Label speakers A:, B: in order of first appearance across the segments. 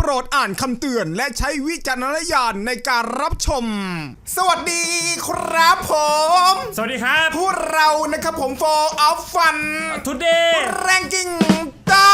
A: รดอ่านคำเตือนและใช้วิจารณญาณในการรับชมสวัสดีครับผม
B: สวัสดีครับ
A: พวกเรานะครับผม For of Fun
B: Today
A: Ranking ได้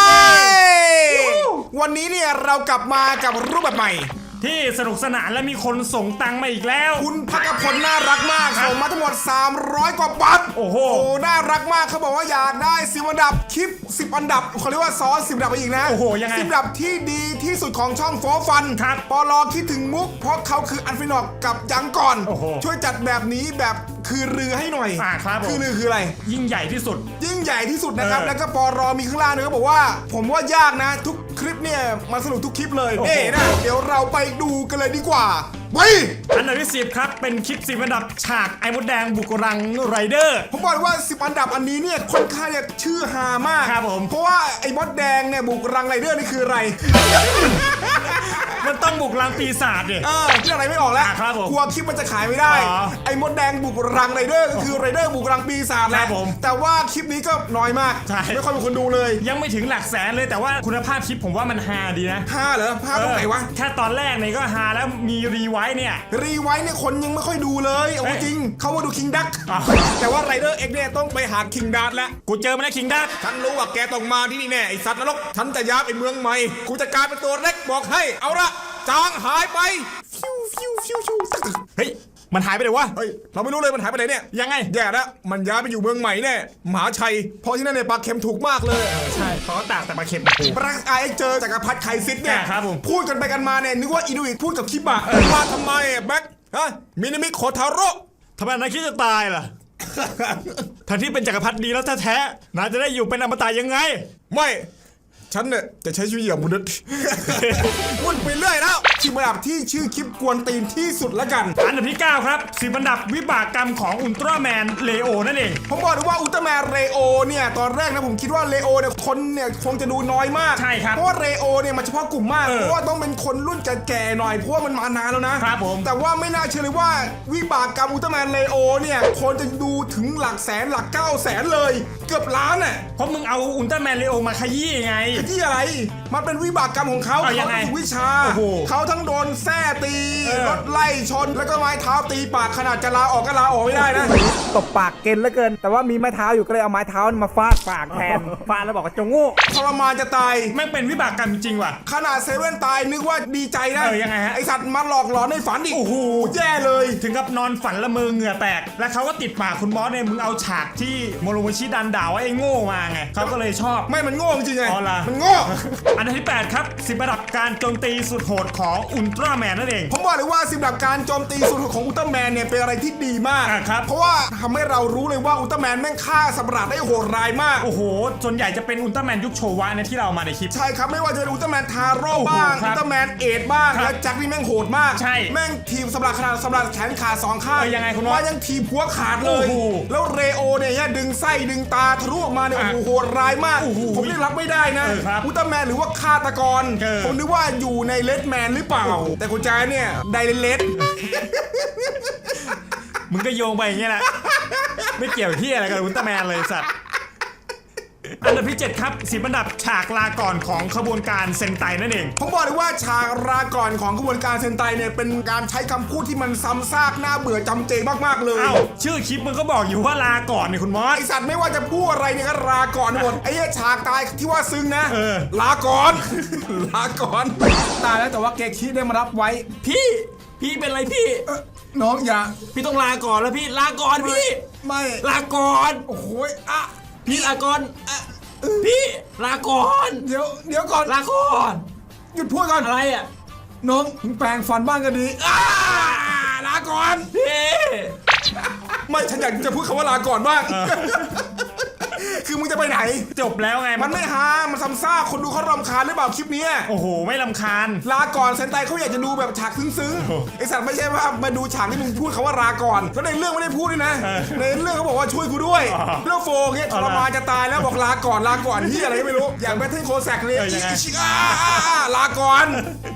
A: วันนี้เนี่ยเรากลับมากับรูปแบบใหม่
B: ที่สนุกสนานและมีคนส่งตังค์มาอีกแล้ว
A: คุณพักพลน่ารักมากส่งมาทั้งหมด300กว่าบาท
B: โอ้โห
A: น่ารักมากเขาบอกว่าอยากได้10อันดับคลิป10อันดับเขาเรียกว่าซ้อน10อันดับไปอีกนะ
B: โอ้โหยังไง
A: 10อันดับที่ดีที่สุดของช่องโฟฟัน
B: ครับ
A: ปลอคิดถึงมุกเพราะเขาคืออันฟินอกกับยังก่อนช่วยจัดแบบนี้แบบคือรือให้หน่อย
B: ครับ
A: คือรือคืออะไร
B: ยิ่งใหญ่ที่สุด
A: ยิ่งใหญ่ที่สุดนะครับแล้วก็ปลอมีข้างล่างเนี่ยเขาบอกว่าผมว่ายากนะทุกคลิปเนี่ยมาสนุกทุกคลิปเลยนี่นะเดี๋ยวเราไปดูกันเลยดีกว่าไป
B: อันดับที่10ครับเป็นคลิป10อันดับฉากไอ้มดแดงบุกรังไรเดอร์
A: ผมบอกว่า10อันดับอันนี้เนี่ยค่อนข้างจะชื่อฮามาก
B: ครับผม
A: เพราะว่าไอ้มดแดงเนี่ยบุกรังไรเดอร์นี่คืออะไร
B: มันต้องบุกรังปีศาจดิ
A: เรื่องอะไรไม่ออกแล้วกลัวคลิปมันจะขายไม่ได้ไอ้มดแดงบุกรังไรเดอร์ก็คือไรเดอร์บุกรังปีศาจแหละแต่ว่าคลิปนี้ก็น้อยมากไม่ค่อยมีคนดูเลย
B: ยังไม่ถึงหลักแสนเลยแต่ว่าคุณภาพคลิปผมว่ามันฮาดีนะ
A: ฮาเหรอฮาตรงไหนวะ
B: แค่ตอนแรกเนี่ยก็ฮาแล้วมีรีไวท์เนี่ย
A: คนยังไม่ค่อยดูเลยเอาจริงเขาว่าดูคิงดักแต่ว่าไรเดอร์เอ็กเนี่ยต้องไปหาคิงดักแล้ว
B: กูเจอมาแล้วคิงดัก
A: ฉันรู้ว่าแกต้องมาที่นี่แน่ไอสัตว์นรกฉันจะย้ายไปเมืองใหม่กูจะกลายเป็นตัวเล็กบอกให้เอาละจางหายไป
B: เฮ้ยมันหายไปไหนวะ
A: เฮ้ยเราไม่รู้เลยมันหายไปไหนเนี่ย
B: ยังไง
A: แย่แล้วมันย้ายไปอยู่เมืองใหม่แน่มหาชัยเพราะที่นั่นเนี่ยปลาเค็มถูกมากเลย
B: ใช่เขาตากแต่ปลาเค็ม
A: ปลาไอเจอจักรพรรดิไคซิสเนี่ยพูดกันไปกันมาเนี่ยนึกว่าอินุอิพูดกับคิบะว่าทำไมแบ็คฮะมินามิโคทาโร่
B: ทำไมนายคิดจะตายล่ะทั้งที่เป็นจักรพรรดิดีแล้วแท้ๆนายจะได้อยู่เป็นอมตะยังไง
A: ไม่ฉันเนี่ยจะใช้ชีวิตอย่างมนุษย์วุ่นไปเรื่อยแล้วคลิปอันดับที่ชื่อคลิปกวนตีนที่สุดละกัน
B: อันดับที่9ครับ10อันดับวิบากกรรมของอุลตร้าแมนเลโอนั่นเอง
A: ผมบอกเลยว่าอุลตร้าแมนเลโอเนี่ยตอนแรกนะผมคิดว่าเลโอเนี่ยคนเนี่ยคงจะดูน้อยมาก
B: ใช่ครับ
A: เพราะว่าเลโอเนี่ยมันเฉพาะกลุ่มมากเพราะว่าต้องเป็นคนรุ่นแก่ๆหน่อยเพราะว่ามันมานานแล้วนะครับ
B: ผม
A: แต่ว่าไม่น่าเชื่อเลยว่าวิบากกรรมอุลตร้าแมนเลโอเนี่ยคนจะดูถึงหลักแสนหลัก900,000เลยเกือบล้านอ่ะ
B: เพราะมึงเอาอุลตร้าแมนเลโอมาขยี้ไง
A: ขยี้อะไรมันเป็นวิบากกรรมของเขา
B: เขา
A: วิชาเขาทั้งโดนแส้ตีรถไล่ชนแล้วก็ไม้เท้าตีปากขนาดจะลาออกก็ลาออกไม่ได้นะ
C: ตบปากเกณฑ์เหลือเกินแต่ว่ามีไม้เท้าอยู่ก็เลยเอาไม้เท้ามาฟาดปากแทนฟาดแล้วบอกว่าจงโง่
A: ทรมานจะตาย
B: แม่งเป็นวิบากกรรมจริงว่ะ
A: ขนาดเซเว่นตายนึกว่าดีใจนะ
B: ยังไงฮะ
A: ไอสัตว์มาหลอกหลอนในฝันอีก
B: โอ้โห
A: แย่เลย
B: ถึงกับนอนฝันละเมอเหงื่อแตกแล้วเขาก็ติดปากคุณมอสเนี่ยมึงเอาฉากที่โมโรโมชิดันด่าว่าไอ้โง่มาไงเขาก็เลยชอบ
A: ไม่มันโง่จริงไง
B: มัน
A: โง่
B: อันดับที่8ครับ10อันดับการโจมตีสุดโหดของอุลตร้าแมนนั่นเอง
A: ผมบอกเลยว่า10อันดับการโจมตีสุดโหดของอุลตร้าแมนเนี่ยเป็นอะไรที่ดีมาก
B: ครับ
A: เพราะว่าทำให้เรารู้เลยว่าอุลตร้าแมนแม่งฆ่าสัตว์ประหลาดได้โหดร้ายมาก
B: โอ้โหส่วนใหญ่จะเป็นอุลตร้าแมนยุคโชวะนะที่เรามาในคลิป
A: ใช่ครับไม่ว่าจะเป็นอุลตร้าแมนทาโร่บ้างอุลตร้าแมนเอดบ้างและแจ็คนี่แม่งโหดมาก
B: ใช่
A: แม่งทีมสัตว์ประหลาดขนาดสัตว์ประหลาดแขนขา2ข้าง
B: ยังไงคุณ
A: ว่ายังทีมหัวขาดเลยแล้วเรโอเนี่ยดึงไส้ดึงตาทะลุออกมาเนี่ยโอ้โหโหดร้ายมากผมนี่รับไม่ได้นะอุลตร้าแมนหรือว่าฆาตกรผมนึกว่าอยู่ในเลดแมนหรือเปล่าแต่คุณแจ๊เนี่ยไดเลด
B: มึงก็โยงไปอย่างเงี้ยแหละไม่เกี่ยวที่อะไรกับอุลตร้าแมนเลยสัตว์อันดับที่7ครับ10อันดับฉากลาก่อนของขบวนการเซนไตนั่นเอง
A: ผมบอกเลยว่าฉากลาก่อนของขบวนการเซนไตเนี่ยเป็นการใช้คำพูดที่มันซ้ำซากน่าเบื่อจำเจมากๆเลย
B: ชื่อคลิปมันก็บอกอยู่ว่าลาก่อนเนี่ยคุณมอส
A: ไอสัตว์ไม่ว่าจะพูดอะไรเนี่ยก็ลาก่อนหมดไอ้ฉากตายที่ว่าซึ้งนะลาก่อนลาก่อนตายแล้วแต่ว่าเกคิได้มารับไว้
B: พี่เป็นอะไรพี่
A: น้องอย่า
B: พี่ต้องลาก่อนแล้วพี่ลาก่อนพี่
A: ไม่
B: ลาก่อน
A: โอ้โห
B: พี่ลาก่อนพี่ลาก่อน
A: เดี๋ยวก่อน
B: ลาก่อน
A: หยุดพูดก่อน
B: อะไรอ่ะ
A: น้องแปลงฟันบ้างก็ดีลาก่อน
B: พี่
A: ไม่ฉันอยากจะพูดคำว่าลาก่อนบ้างคือมึงจะไปไหน
B: จบแล้วไง
A: มันไม่ฮามันซ้ำซากคนดูเขารำคาญหรือเปล่าคลิปนี้
B: โอ้โหไม่รำคาญ
A: ลาก่อนเซนไตเขาอยากจะดูแบบฉากซึ้งๆไอสัตว์ไม่ใช่ว่ามาดูฉากที่มึงพูดคำว่าลาก่อนแล้วในเรื่องไม่ได้พูดด้วยนะในเรื่องเขาบอกว่าช่วยกูด้วยเรื่องโฟเนี่ยทรมานจะตายแล้วบอกลาก่อนที่อะไรก็ไม่รู้อย่างแบทเทิลโคแซกเลยลาก่อน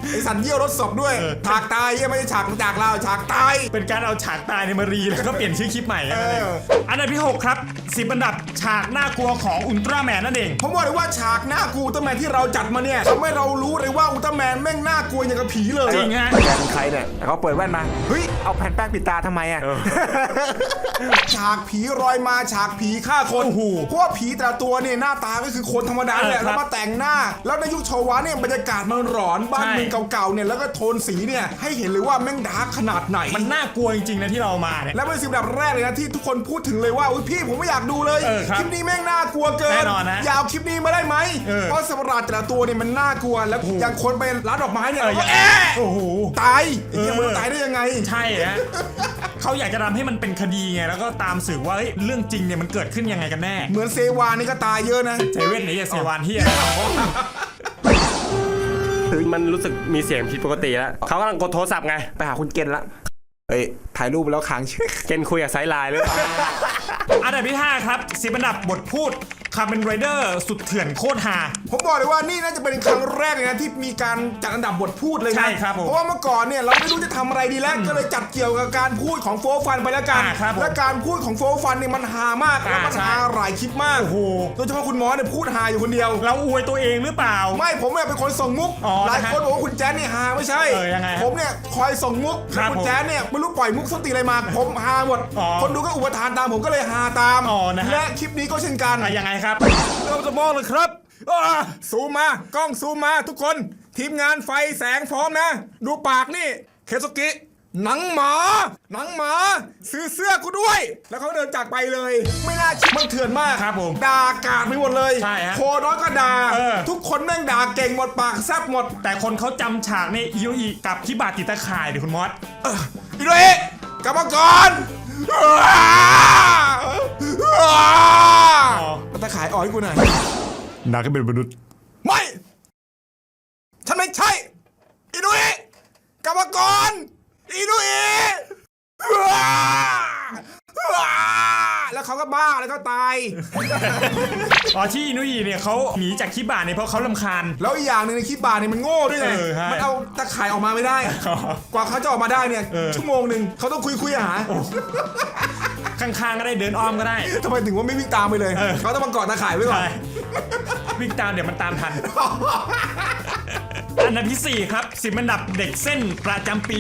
A: ไอสัตว์เยี่ยวรถศพด้วยฉากตายเยี่ยไม่ใช่ฉากจากเราฉากตาย
B: เป็นการเอาฉากตายในมารีแล้วก็เปลี่ยนชื่อคลิปใหม่นั่นเอง
A: เออ
B: อันดับที่ 6 ครับ10อันดับฉากน่ากลัวของอุลตร้าแมนนั่นเอง
A: ผมบอกเลยว่าฉากหน้ากลัวอุลตร้าแมนที่เราจัดมาเนี่ยทำให้เรารู้เลยว่าอุลตร้าแมนแม่งน่ากลัวอย่างกับผีเลย
B: จริงฮะ
C: แกเป็นใครเนี่ยแต่เขาเปิดแว่นมาเฮ้ยเอาแผ่นแป้งปิดตาทำไมอ่ะ
A: ฉากผีรอยมาฉากผีฆ่าคน
B: โอ้โห
A: เพราะว่าผีแต่ละตัวเนี่ยหน้าตาก็คือคนธรรมดาแหละ
B: ครับ
A: แล้วมาแต่งหน้า แล้วในยุคโชวะเนี่ยบรรยากาศมันหลอนบ้าน
B: ใช่
A: เมืองเก่าๆเนี่ยแล้วก็โทนสีเนี่ยให้เห็นเลยว่าแม่งดาร์กขนาดไหน
B: มันน่ากลัวจริงๆนะที่เรามาเนี่ย
A: และเป็นสิ่งแบบแรกเลยนะที่ทุกคนพูดถึงเลยว่าอุ๊ยพี่ผมไม่อยากดูเลย
B: ครับ
A: คลิปนี้แม่งน่ากลัวเกิน
B: แน่นอนนะ
A: อยาวคลิปนี้มาได้ไหม เพราะสัตว์ประหลาดแต่ละตัวเนี่ยมันน่ากลัวแล้วอย่างคนไปร้านดอกไม้เนี่ยเราก็
B: โอ้โห
A: ตายไอ้เหี้ยมันตายได้ยังไง
B: ใช่ฮะ เขาอยากจะทำให้มันเป็นคดีไงแล้วก็ตามสืบว่าเฮ้ยเรื่องจริงเนี่ยมันเกิดขึ้นยังไงกันแน่
A: เหมือนเซวานี่ก็ตายเยอะนะ
B: เซเว่นไหนจะเซวานที่
D: มันรู้สึกมีเสียงผิดปกติแล้วเขากำลังกดโทรศัพท์ไง
C: ไปหาคุณเกณฑ์ละ
A: เอ้ยถ่ายรูปแล้วค้างชื่อ
D: เกณฑ์คุยกับไซด์ไลน์เลย
B: อันดับที่ 5 ครับ10อันดับบทพูดคาร์เมนไรเดอร์สุดเถื่อนโคตรฮา
A: ผมบอกเลยว่านี่น่าจะเป็นครั้งแรกเลยนะที่มีการจัดอันดับบทพูดเลยนะ
B: ใช่ครับผม
A: เพราะว่าเมื่อก่อนเนี่ยเราไม่รู้จะทำอะไรดีแล้วก็เลยจัดเกี่ยวกับการพูดของโฟร์ฟันไปแล้วกัน
B: ครับผม
A: และการพูดของโฟร์ฟันเนี่ยมันฮามากแล้วมัน
B: ใช่
A: ฮาหลายคลิปมาก
B: โอ้โห
A: โดยเฉพาะคุณหมอเนี่ยพูดฮาอยู่คนเดียว
B: เราอวยตัวเองหรือเปล่า
A: ไม่ผมเนี่ยเป็นคนส่งมุก
B: อ๋อ
A: หลาย
B: นะฮะ
A: คนบอกว่าคุณแจ๊ดนี่ฮาไม่ใช่
B: ยังไงฮะ
A: ผมเนี่ยคอยส่งมุก
B: ครับ
A: คุณแจ๊ดเนี่ยไม่รู้ปล่อยมุกส้นตีนอะไรมาผมฮาหมด
B: อ๋อ
A: คนดูก็อุปทานตามผมก็เลยฮาตาม
B: อ๋อนะฮะ
A: และคลิปนี้ก็เช่นกัน
B: อ่ะยังไงครับ
A: เราจะมองเลยครับซูมมากล้องซูมมาทุกคนทีมงานไฟแสงพร้อมนะ ดูปากนี่เคซุกิหนังหมาซื้อเสื้อกูด้วย แล้วเขาเดินจากไปเลย ไม่น่าเชื่อมันเถื่อนมาก
B: ครับผม
A: ด่ากาดไปหมดเลย
B: ใช่ฮะ
A: โคน้อยก็ด่า
B: ทุ
A: ทุกคนแม่งด่าเก่งหมดปากแซบหมด
B: แต่คนเขาจำฉากในอิโยอีกับที่บาดติดตะข่ายดิคุณมอส
A: อีโดเอะกลับมาก่อนตะขายอ่อยกูหน่อย
B: นาก็เป็นมนุษย์
A: ไม่ ฉันไม่ใช่อีนุยกลับมาก่อนอีนุยแล้วเขาก็บ้าแล้วก็ตาย
B: อ๋อที่อินุอีเนี่ยเขาหนีจากคิบาเนี่ยเพราะเขาลำคาญ
A: แล้วอีกอย่างหนึ่งในคลิปบาร์เนี่ยมันโง่ด้วยไง
B: ใช่
A: มันเอาตะข่ายออกมาไม่ได้ กว่าเขาจะออกมาได้เนี่ยชั่วโมงหนึ่งเขาต้องคุยหา
B: ข้างๆก็ได้เดินอ้อมก็ได้
A: ทำไมถึงว่าไม่วิ่งตามไปเลย เขาต้องมาเกาะตะข่ายไว้ก่อน
B: ใช่วิ่งตามเดี๋ยวมันตามทัน อันดับที่ 4 ครับ10อันดับเด็กเส้นประจำปี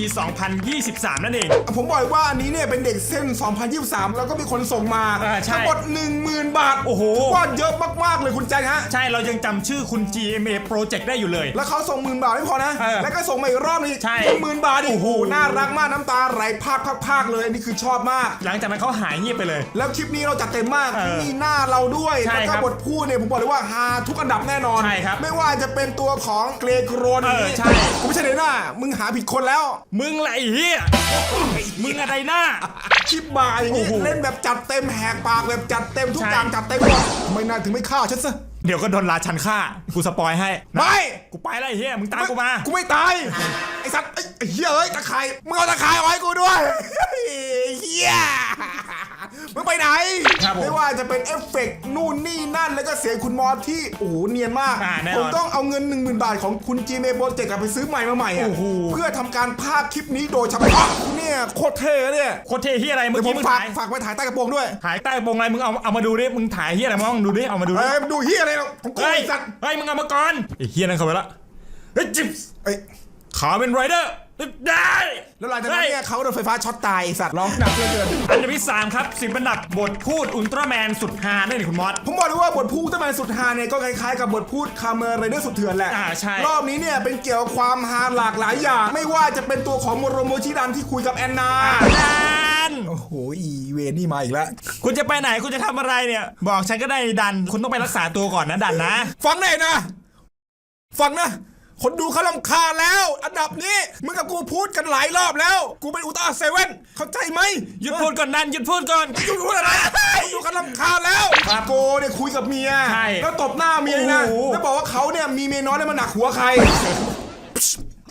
B: 2023 นั่นเอง
A: ผมบอกเลยว่าอันนี้เนี่ยเป็นเด็กเส้น 2023 แล้วก็มีคนส่งมา
B: ใช่
A: ทั้งหมด 10,000 บาท
B: โอ้โห
A: ถืว่าเยอะมากๆเลยคุณแจ็คฮะ
B: ใช่เรายังจำชื่อคุณ GMA Project ได้อยู่เลย
A: แล้วเขาส่ง10,000 บาทไม่พอนะ แล้วก็ส่งมาอีกรอบนึง
B: ใช่
A: 10,000 บาทอีกโอ้โหน่ารักมากน้ำตาไหลพากเลยอันนี้คือชอบมาก
B: หลังจากนั้นเขาหายเงียบไปเลย
A: แล้วคลิปนี้เราจัดเต็มมากมีหน้าเราด้วย
B: ใช่
A: แล้ว
B: ครั
A: ก็
B: บบ
A: ทพูดเนี่ยผมบอกเลยว่าฮาทุกอันดับแน่นอน
B: ใช่ครับ
A: ไม่ว่าจะเป็นตัวของเกรโกรน
B: ใช่
A: กูไม่ใช่เดน่ามึงหาผิดคนแล้ว
B: มึงไรเฮียมึงอะไรหน้า
A: คลิปบาร์อย่างนี้
B: โอ้โห
A: เล่นแบบจัดเต็มแหกปากแบบจัดเต็มทุก
B: ใช่
A: อย่างจัดเต็มหมดทำไมนายถึงไม่ฆ่าฉันซะ
B: เดี๋ยวก็โดนราชันฆ่า กูสปอยให้
A: ไม่
B: กูไปแล้วไอ้เฮียมึงตามกูมา
A: กูไม่ตายไอ้สัตว์ไอ้เหี้ยเอ้ยตะไคร่มึงเอาตะไคร่เอาไว้กูด้วยเหี้ยมึงไปไหน
B: ครับผม
A: ไม่ว่าจะเป็นเอฟเฟกต์นู่นนี่นั่นแล้วก็เสียงคุณมอสที่โอ้โหเนียนมาก
B: แน่นอน
A: ผมต้องเอาเงิน 10,000 บาทของคุณ Gmail Project ไปซื้อใหม่มาใหม่อะ
B: โอ้โห
A: เพื่อทำการพากย์คลิปนี้โดยเฉพาะเนี่ยโคตรเท่เนี่ย
B: โคตรเทเฮียอะไรเมื่
A: เดี๋
B: อ
A: ยวผ
B: กี้
A: ม
B: มึง
A: ฝาก
B: ถ่าย
A: ฝากไปถ่ายใต้กระโปรงด้วย
B: ถ่ายใต้กระโปรงอะไรมึงเอามาดูดิมึงถ่ายเฮียอะไรมาลองดูดิเอามาดูดิ
A: เอ้ยดูเฮียอะไรหรอกของกู
B: เฮ้ย
A: ไอ้สัตว์
B: เฮ้ยมึงเอามาก่อนไอ้เฮียนั่นเข้าไปละเฮ้ยจิ๊บ
A: เอ้ย
B: ขาเป็นไรเดอร์ได้
A: แล้วหลังจากนั้นเนี่ยเขาโดนไฟฟ้าช็อตตายไอ้สัตว์ร้องหนักเหลือเกิน
B: อันดับที่ 3 ครับ10อันดับบทพูดอุลตร้าแมนสุดฮาได้เลยคุณมอส
A: ผมบอกเลยว่าบทพูดตั้งแต่สุดฮาเนี่ยก็คล้ายๆกับบทพูดคาเมอร์ไรเดอร์สุดเถื่อนแหละ
B: ใช่
A: รอบนี้เนี่ยเป็นเกี่ยวกับความฮาหลากหลายอย่าง ไม่ว่าจะเป็นตัวของโมโรโมชิดันที่คุยกับแอนนา
B: ดัน
A: โอ้โหอีเวนี่มาอีกแล้ว
B: คุณจะไปไหนคุณจะทำอะไรเนี่ย บอกฉันก็ได้ดัน คุณต้องไปรักษาตัวก่อนนะดันนะ
A: ฟังหน่อยนะ ฟังนะ คนดูเขาลำคาญแล้ว อันดับนี้มึงกับกูพูดกันหลายรอบแล้ว กูเป็นอุลตร้าเซเว่นเข้าใจไหม
B: หยุดพูดก่อนดันหยุดพูดก่อน
A: หยุดพูดอะไรคนดูเขาลำคาญแล้วโกเนี่ยคุยกับเมีย
B: ใช่
A: แล้วตบหน้าเมียนะ
B: โอ้โห
A: แล้วบอกว่าเขาเนี่ยมีเมียน้อยแล้วมันหนักหัวใคร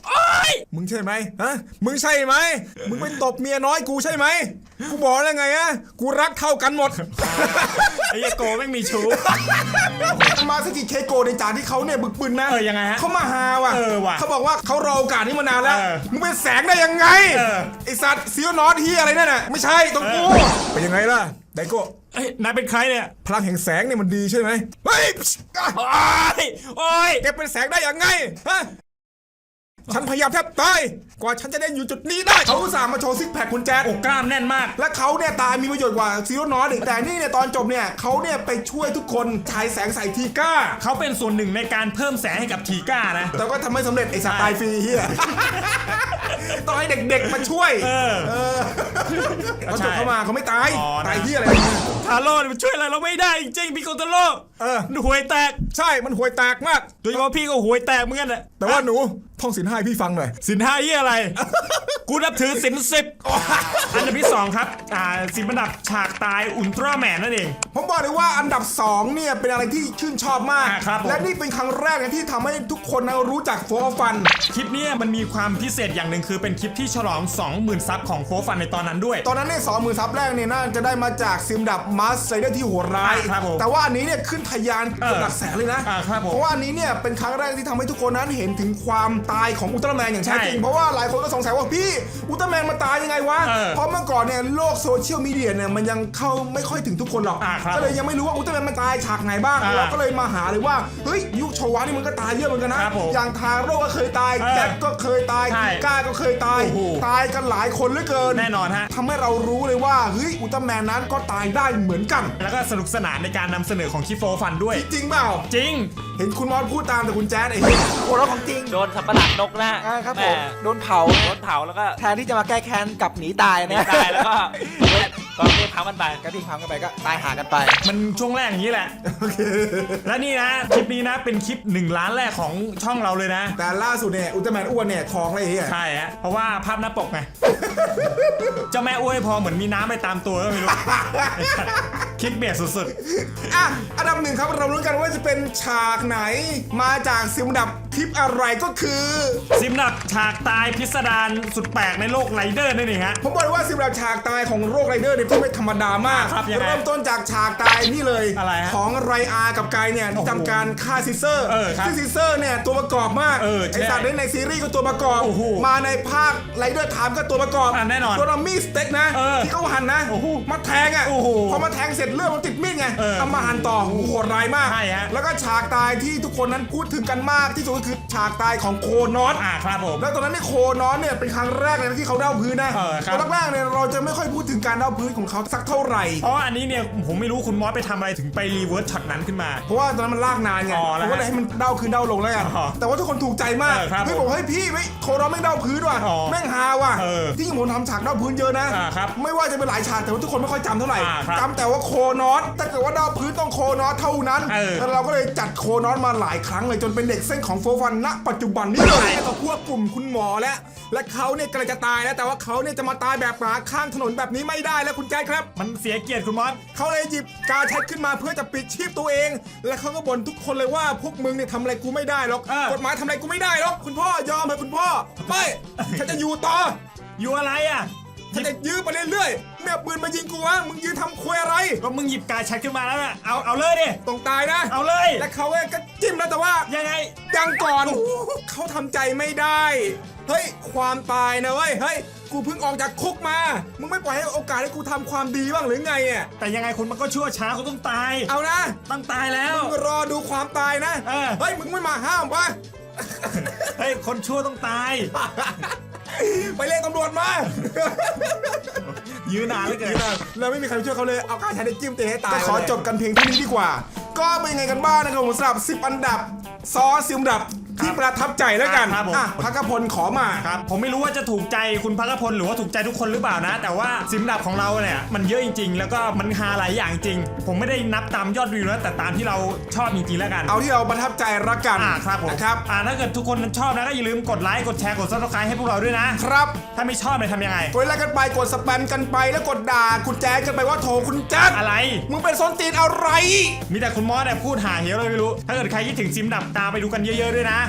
A: มึงใช่ไหมฮะมึงใช่ไหมมึงไปตบเมียน้อยกูใช่ไหมกูบอกแล้วไงอะกูรักเท่ากันหมด
B: ไอ้เหี้ยโกแม่งมีชู้
A: มาสกิเคโกในจานที่เขาเนี่ยบึกบึนนะ
B: ยังไงฮะ
A: เขามาหาว่ะ
B: ว่ะ
A: เขาบอกว่าเขารอโอกาสนี้มานานแล้วมึงเป็นแสงได้ยังไงไอสัตว์ซีโอนอสเฮียอะไรนั่นน่ะไม่ใช่ตรงกูเป็นยังไงล่ะไดโก้
B: เอ้ยนายเป็นใครเนี่ย
A: พลังแห่งแสงเนี่ยมันดีใช่ไหมเฮ้ย
B: โอ้ย
A: แกเป็นแสงได้ยังไงฮะฉันพยายามแทบตายกว่าฉันจะได้อยู่จุดนี้ได้เขาอุตส่าห์มาโชว์ซิกแพคคุณแจ๊ด
B: โอ้กล้ามแน่นมาก
A: และเขาเนี่ยตายมีประโยชน์กว่าซีโร่นอสอีกแต่นี่เนี่ยตอนจบเนี่ยเขาเนี่ยไปช่วยทุกคนฉายแสงใส่ทีก้า
B: เขาเป็นส่วนหนึ่งในการเพิ่มแสงให้กับทีก้านะ
A: แต่ก็ทำไม่สำเร็จไอ้สัตว์ตายฟรีเฮียต้องให้เด็กๆมาช่วยเขาจบเข้ามาเขาไม่ตายตายเฮียอะไร
B: ทาโร่เนี่ยมันช่วยอะไรเราไม่ได้จริงๆพี่โกโตโร่ห่วยแตก
A: ใช่มันห่วยแตกมาก
B: โดยเฉพาะพี่ก็ห่วยแตกเหมือนกันแหละ
A: แต่ว่าหนูท่องศีลห้าให้พี่ฟังหน่อย
B: สินห้าเยี่ยอะไร กูนับถือสิน10อันดับที่2ครับสินอันดับฉากตายอุลตร้าแมนนั่นเอง
A: ผมบอกเลยว่าอันดับ2เนี่ยเป็นอะไรที่ชื่นชอบมาก
B: ครับผม
A: และนี่เป็นครั้งแรกที่ทำให้ทุกคนรู้จักโฟร์ฟัน
B: คลิปนี้มันมีความพิเศษอย่างหนึ่งคือเป็นคลิปที่ฉลอง 20,000 ซับของโฟฟันในตอนนั้นด้วย
A: ตอนนั้นเนี่ย20,000 ซับแรกเนี่ยน่าจะได้มาจากซิมดับมาสไซเดอร์ที่โหดร้าย
B: ครับผม
A: แต่ว่าอันนี้เนี่ยขึ้นทะยานเกือบหลักแสนเลยนะครับ
B: ผม
A: เพราะว่าอันนี้เนี่ยเป็นครั้งแรกที่ทำให้ทุกคนนั้นเห็นถึงความตายของอุลตร้าแมนอย่างแท้จริง
B: ใช่
A: เพราะว่าหลายคนก็สงสัยว่าพี่อุลตร้าแมนมาตายยังไงวะ เพราะเมื่อก่อนเนี่ยโลกโซเชียลมีเดียเนี่ยมันยังเข้าไม่ค่อยถึงทุกคนหรอก
B: ครับ
A: ก็เลยยังไม่รู้ว่าอุลตร้าแมนมันตายฉากไหนบ้างเราก็เลยมาหาเลยว่าเฮ้ยยุคโชวะนี่มันก็ตายเยอะเหมือนกันนะครับ
B: ผม
A: อย่างทาโร่ก็เคยตายแจ็คก็เคยตาย
B: ใช่
A: กิก้าก็เคยตาย
B: โอ้โห
A: ตายกันหลายคนเหลือเกิน
B: แน่นอนฮะ
A: ทำให้เรารู้เลยว่าเฮ้ยอุลตร้าแมนนั้นก็ตายได้เหมือนกัน
B: แล้วก็สนุกสนานในการนำเสนอของคลิปโฟฟันด้วย
A: จริงเปล่า
B: จริง
A: เห็นคุณมอสพูดตามแต่คุณแจ๊ดไอ้เหี้ย
C: โอ้แล้วของจริง
E: โดนสับประหลาดนกนะฮะ
C: ครับ
E: แห
C: ผมโดนเผา
E: โดนเผาแล้วก็
C: แทนที่จะมาแก้แค้นกลับหนีตาย
E: ไม่
C: นะ
E: ได้แล้วก็ก็เรียกเผามันไป
C: ก็ทิ้งความกันไปก็ตายหากันไป
B: มันช่วงแรกอย่างนี้แหละ และนี่นะคลิปนี้นะเป็นคลิป1 ล้านแรกของช่องเราเลยนะ
A: แต่ล่าสุดเนี่ยอุลตร้าแมนอ้วนเนี่ยท้องเลยไอ้เหี้ย
B: ใช่ฮะเพราะว่าภาพหน้าปกไง เจ้าแม่อ้วยพอเหมือนมีน้ำไปตามตัวก็ไม่รู้ คลิกเบียดสุด
A: อ่ะอันดับ1ครับเราลุ้นกันว่าจะเป็นฉากไหนมาจากซิมดับคลิปอะไรก็คือ
B: ๆซิมดับฉากตายพิสดารสุดแปลกในโลกไรเดอร์นั่นเองฮะ
A: ผมบอกเลยว่าซิมดับฉากตายของโรคไรเดอร์เนี่ยไม่ธรรมดามาก
B: ครับยังไง
A: เริ่มต้นจากฉากตายนี่เลย
B: อะไรฮะ
A: ของไรอากับไกเนี่ยที่ทำการฆ่าซิเซอร์
B: ครับ
A: ซึ่งซิเซอร์เนี่ยตัวประกอบมาก
B: ใช่
A: ไอสัตว์ในซีรีส์ก็ตัวประกอบ
B: โอ้โห
A: มาในภาคไรเดอร์ไทม์ก็ตัวประกอบ
B: แน่นอน
A: ตัวมีดสเต็กนะ ที่เขาหั่นนะ
B: โอ้โห
A: มาแทงอ่ะ
B: โอ้โห
A: พอมาแทงเสร็จเลือดมันติดมีดไง
B: เออ
A: เอามาหั่นต่อโอ้โหโหดร้ายมาก
B: ใช่ฮะ
A: แล้วก็ฉากตายที่ทุกคนนั้นพูดถึงกันมากที่สุดก็คือฉากตายของโคนอส
B: ครับผม
A: แล้วตอนนั้นเนี่ยโคนอสเนี่ยเป็นครั้งแรกเลยนะที่เขาเด้าพื้นนะ
B: ครับ
A: ตอนแรกๆเนี่ยเราจะไม่ค่อยพูดถึงการเด้าพื้นของเขาสักเท่าไหร่
B: เพราะว่าอันนี้เนี่ยผมไม่รู้คุณมอสไปทำอะไรถึงไปรีเวิร์สช็อตนั้นขึ้นมา
A: เพราะว่าตอนนั้นมันลากนานไง
B: อ๋อ
A: ผ
B: แล้ว
A: มก็เลยให้มันเด้าขึ้นเด้าลงแล้วกัน
B: อ๋อ
A: แต่ว่าทุกคนถูกใจมาก
B: ครับ
A: เฮ้ยบอกเฮ้ยพี่ไม่โคนอสแม่งเด้าพื้นว่ะ
B: อ๋อ
A: แม่งฮาว่ะ
B: ที่
A: ที่ผมทำฉากเด้าพื้นเยอะนะ
B: ครับ
A: ไม่ว่าจะเป็นหลายฉากแต่ว่าทุกคนไม่ค่อยจำเท่าไหร่
B: ครับ
A: จำแต่ว่าโคนอสถ้าเกิดว่าเด้าพื้นต้องโคนอสเท่านั้น แล้วเราก็เลยจัดโคนอสมาหลายครั้งเลยจนเป็นเด็กเส้นของโฟร์ฟันณปัจจุบันนี้เลยก็พวกกลุ่มคุณหมอและเขาเนี่ยกำลังจะตายแล้วแต่ว่าเขาเนี่ยจะมาตายแบบหมาข้างถนนแบบนี้ไม่ได้แล้วคุณแจ๊คครับ
B: มันเสียเกียรติคุณมอส
A: เขาเลยหยิบกาแชทขึ้นมาเพื่อจะปิดชีพตัวเอง และเขาก็บ่นทุกคนเลยว่าพวกมึงเนี่ยทำอะไรกูไม่ได้หรอก กฎหมายทำอะไรกูไม่ได้หรอกคุณพ่อยอมเถอะคุณพ่อไม่ฉันจะอยู่ต่อ
B: อยู่อะไรอ่ะ
A: ฉันจะยื้อไปเรื่อยๆแม่ปืนมายิงกูวะมึงยื้อทำควยอะไร
B: ก็มึงหยิบการแชทขึ้นมาแล้วน่ะเอาเลยดิ
A: ต้องตายนะ
B: เอาเลย
A: และเขาก็จิ้มนะแต่ว่า
B: ยังไง
A: ยังก่อนเขาทำใจไม่ได้เฮ้ยความตายนะเว้ยเฮ้ยกูเพิ่งออกจากคุกมามึงไม่ปล่อยให้โอกาสให้กูทำความดีบ้างหรือไงอ่ะ
B: แต่ยังไงคนมันก็ชั่วช้าเขาต้องตาย
A: เอานะ
B: ต้องตายแล้ว
A: มึงรอดูความตายนะ เฮ้ยมึงไม่มาห้ามวะ
B: เฮ้ยคนชั่วต้องตาย
A: ไปเรียกตำรวจมา
B: ยื้อนานเหลือเกิน
A: เราไม่มีใครช่วยเขาเลยเอาการใช้ได้จิ้มเตะให้ตายก็ขอจบกันเพียงเท่านี้ดีกว่า ก็เป็นยังไงกันบ้างนะครับผมสำหรับ10 อันดับซอซิมดับที่ประทับใจแล้วกัน
B: ครับผม
A: พักพลขอมา
B: ครับผมไม่รู้ว่าจะถูกใจคุณพักพลหรือว่าถูกใจทุกคนหรือเปล่านะ แต่ว่าซิมดับของเราเนี่ยมันเยอะจริง ๆ แล้วก็มันฮาหลายอย่างจริง ผมไม่ได้นับตามยอดวิวนะแต่ตามที่เราชอบจริงๆแล้วกัน
A: เอาที่เราประทับใจละกัน
B: ครับผม
A: นะครับ
B: ถ้าเกิดทุกคนชอบนะก็อย่าลืมกดไลค์กดแชร์กด Subscribe ให้พวกเราด้วยนะ
A: ครับ
B: ถ้าไม่ชอบเนี่ยทำยังไง
A: กดไลค์กันไปกดสแปมกันไปแล้วกดด่าคุณแจ๊คกันไปว่าโถคุณแจ๊ค
B: อะไร
A: มึงเป็นส้นตีนอะไร
B: มีแต่คุณมอสเนี่ยพูดหาเหวเลยไม่รู้ ถ้าเกิดใครคิดถึงซิมดับตามไปดูกันเยอะๆด้วยนะ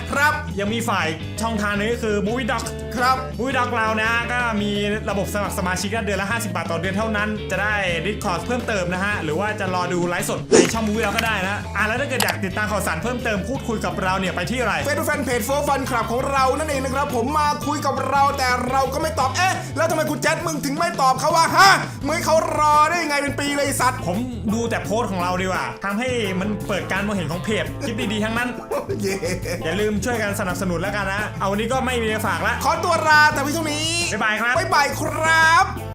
A: ครับ
B: ยังมีฝ่ายช่องทางนึงก็คือ Movie Doc
A: ครับ
B: Movie Doc เรานะก็มีระบบสมัครสมาชิกเดือนละ50 บาทต่อเดือนเท่านั้นจะได้ Discord เพิ่มเติมนะฮะหรือว่าจะรอดูไลฟ์สดในช่อง Movie Doc ก็ได้นะแล้วถ้าเกิดอยากติดตามข่าวสารเพิ่มเติมพูดคุยกับเราเนี่ยไปที่อะไร
A: เฟซบุ๊กแฟนเพจโฟฟันคลับของเรานั่นเองนะครับผมมาคุยกับเราแต่เราก็ไม่ตอบแล้วทำไมคุณแจ๊ดมึงถึงไม่ตอบเขาว่าฮะเมื่อเขารอได้ยังไงเป็นปีเลยสัตว์
B: ผมดูแต่โพสต์ของเราดีกว่าทำให้มันเปิดการมองเห็นของเพจคลิปดีๆทั้งนั้น
A: เย่
B: อย่าลืมช่วยกันสนับสนุนแล้วกันนะเอาวันนี้ก็ไม่มีอะไรฝากละ
A: ขอตัวลาแต่เพียงเท่านี้
B: บ๊ายบายครับ
A: บ๊ายบายครับ